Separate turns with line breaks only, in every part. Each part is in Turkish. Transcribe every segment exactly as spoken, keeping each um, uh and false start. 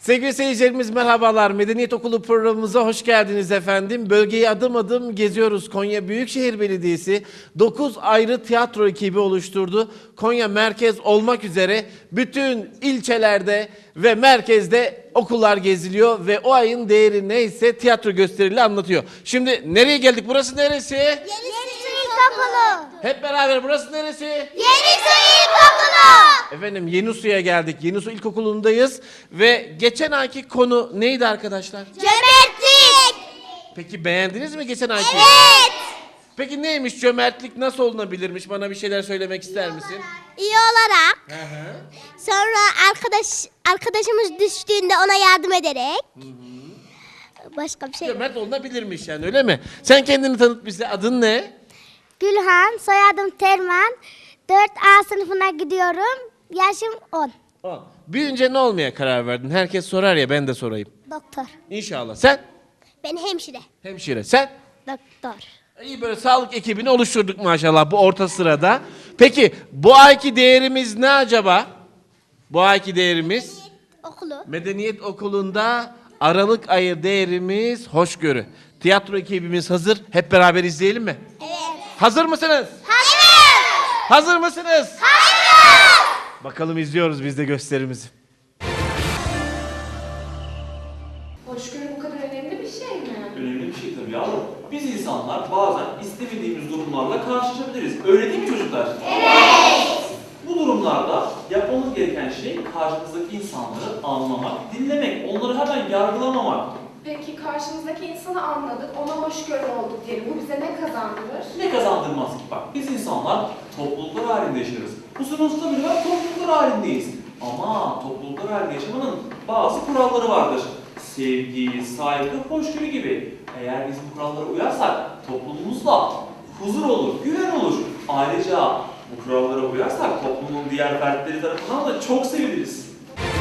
Sevgili seyircilerimiz merhabalar. Medeniyet Okulu programımıza hoş geldiniz efendim. Bölgeyi adım adım geziyoruz. Konya Büyükşehir Belediyesi dokuz ayrı tiyatro ekibi oluşturdu. Konya merkez olmak üzere bütün ilçelerde ve merkezde okullar geziliyor ve o ayın değeri neyse tiyatro gösterileri anlatıyor. Şimdi nereye geldik? Burası neresi?
Yenisu İlkokulu.
Hep beraber burası neresi?
Yenisu İlkokulu.
Efendim Yenisu'ya geldik. Yenisu İlkokulu'ndayız ve geçen ayki konu neydi arkadaşlar?
Cömertlik.
Peki beğendiniz mi geçen ayki?
Evet.
Peki neymiş cömertlik, nasıl olunabilirmiş? Bana bir şeyler söylemek ister misin?
İyi olarak.
Hı hı.
Sonra arkadaş arkadaşımız düştüğünde ona yardım ederek. Başka bir şey yok.
Cömert olunabilirmiş yani, öyle mi? Sen kendini tanıt bize. Adın ne?
Gülhan, soyadım Terman. dört A sınıfına gidiyorum. Yaşım on.
O. Büyünce ne olmaya karar verdin? Herkes sorar ya, ben de sorayım.
Doktor.
İnşallah. Sen?
Ben hemşire.
Hemşire. Sen?
Doktor.
İyi, böyle sağlık ekibini oluşturduk maşallah bu orta sırada. Peki bu ayki değerimiz ne acaba? Bu ayki değerimiz?
Okulu.
Medeniyet Okulu'nda Aralık ayı değerimiz hoşgörü. Tiyatro ekibimiz hazır. Hep beraber izleyelim mi?
Evet.
Hazır mısınız?
Hayır.
Hazır mısınız?
Hayır.
Bakalım izliyoruz biz de gösterimizi.
Hoşgörü bu kadar önemli bir şey mi?
Önemli bir şey tabii yavrum. Biz insanlar bazen istemediğimiz durumlarla karşılaşabiliriz. Öyle değil mi çocuklar? Evet. Bu durumlarda yapmamız gereken şey karşımızdaki insanları anlamak, dinlemek, onları hemen yargılamamak.
Peki karşımızdaki insanı anladık, ona hoşgörü olduk diyelim. Bu bize ne kazandırır?
Ne kazandırmaz ki? Bak biz insanlar topluluklar halinde yaşarız. Bu sınıfta bile var, topluluklar halindeyiz. Ama topluluklar halinde yaşamanın bazı kuralları vardır. Sevgi, saygı, hoşgörü gibi. Eğer biz bu kurallara uyarsak toplumumuzda huzur olur, güven olur. Ayrıca bu kurallara uyarsak toplumun diğer fertleri tarafından da çok seviliriz.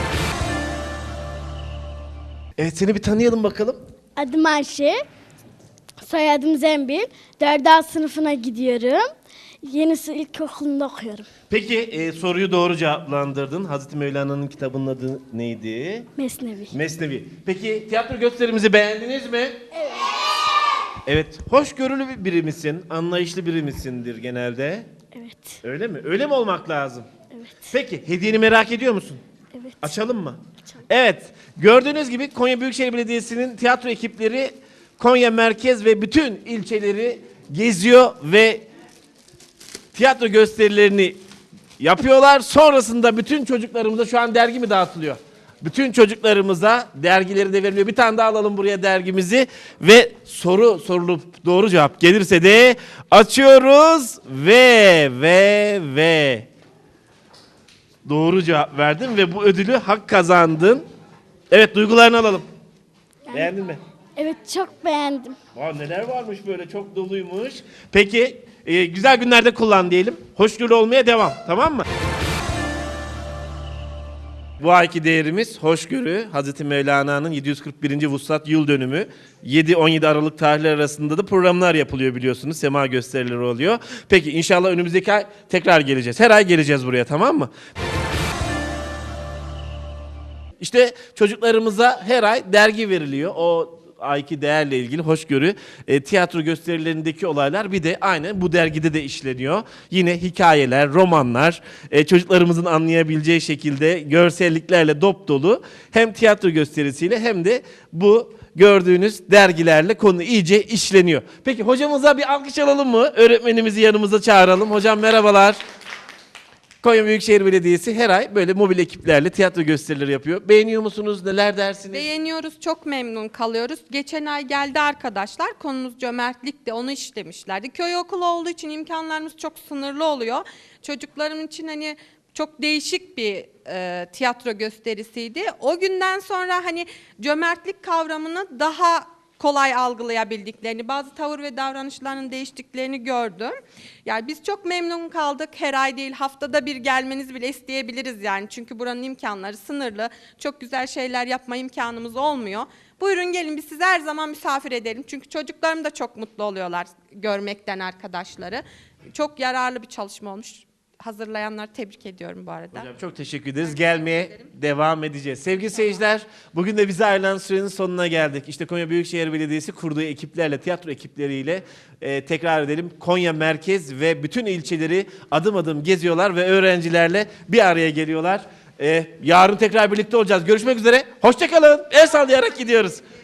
Evet, seni bir tanıyalım bakalım.
Adım Ayşe, soyadım Zembil. dört A sınıfına gidiyorum. Yenisu İlkokulu'nda okuyorum.
Peki e, soruyu doğru cevaplandırdın. Hazreti Mevlana'nın kitabının adı neydi?
Mesnevi.
Mesnevi. Peki tiyatro gösterimizi beğendiniz mi? Evet. Evet. Hoşgörülü bir biri misin? Anlayışlı biri misindir genelde?
Evet.
Öyle mi? Öyle mi olmak lazım?
Evet.
Peki hediyeni merak ediyor musun?
Evet.
Açalım mı? Açalım. Evet. Gördüğünüz gibi Konya Büyükşehir Belediyesi'nin tiyatro ekipleri Konya merkez ve bütün ilçeleri geziyor ve tiyatro gösterilerini yapıyorlar. Sonrasında bütün çocuklarımıza şu an dergi mi dağıtılıyor? Bütün çocuklarımıza dergileri de veriliyor. Bir tane daha alalım buraya dergimizi ve soru sorulup doğru cevap gelirse de açıyoruz ve ve ve doğru cevap verdin ve bu ödülü hak kazandın. Evet, duygularını alalım. Beğendin mi?
Evet, çok beğendim.
Aa, neler varmış böyle, çok doluymuş. Peki e, güzel günlerde kullan diyelim. Hoşgörülü olmaya devam, tamam mı? Bu ayki değerimiz hoşgörü. Hazreti Mevlana'nın yedi yüz kırk birinci Vuslat yıl dönümü. yedi on yedi Aralık tarihleri arasında da programlar yapılıyor biliyorsunuz. Sema gösterileri oluyor. Peki inşallah önümüzdeki ay tekrar geleceğiz. Her ay geleceğiz buraya, tamam mı? İşte çocuklarımıza her ay dergi veriliyor. O ayki değerle ilgili hoşgörü, e, tiyatro gösterilerindeki olaylar bir de aynen bu dergide de işleniyor. Yine hikayeler, romanlar, e, çocuklarımızın anlayabileceği şekilde görselliklerle dop dolu. Hem tiyatro gösterisiyle hem de bu gördüğünüz dergilerle konu iyice işleniyor. Peki hocamıza bir alkış alalım mı? Öğretmenimizi yanımıza çağıralım. Hocam merhabalar. Konya Büyükşehir Belediyesi her ay böyle mobil ekiplerle tiyatro gösterileri yapıyor. Beğeniyor musunuz? Neler dersiniz?
Beğeniyoruz, çok memnun kalıyoruz. Geçen ay geldi arkadaşlar, konumuz cömertlikti, onu işlemişlerdi. Köy okulu olduğu için imkanlarımız çok sınırlı oluyor. Çocuklarım için hani çok değişik bir e, tiyatro gösterisiydi. O günden sonra hani cömertlik kavramını daha kolay algılayabildiklerini, bazı tavır ve davranışlarının değiştiklerini gördüm. Yani biz çok memnun kaldık. Her ay değil, haftada bir gelmenizi bile isteyebiliriz yani. Çünkü buranın imkanları sınırlı. Çok güzel şeyler yapma imkanımız olmuyor. Buyurun gelin, biz sizi her zaman misafir edelim. Çünkü çocuklarım da çok mutlu oluyorlar görmekten arkadaşları. Çok yararlı bir çalışma olmuş. hazırlayanları tebrik ediyorum bu arada.
Hocam çok teşekkür ederiz. Gelmeye devam edeceğiz. Sevgili seyirciler, bugün de bize ayrılan sürenin sonuna geldik. İşte Konya Büyükşehir Belediyesi kurduğu ekiplerle, tiyatro ekipleriyle e, tekrar edelim. Konya merkez ve bütün ilçeleri adım adım geziyorlar ve öğrencilerle bir araya geliyorlar. E, yarın tekrar birlikte olacağız. Görüşmek üzere. Hoşça kalın. El sallayarak gidiyoruz.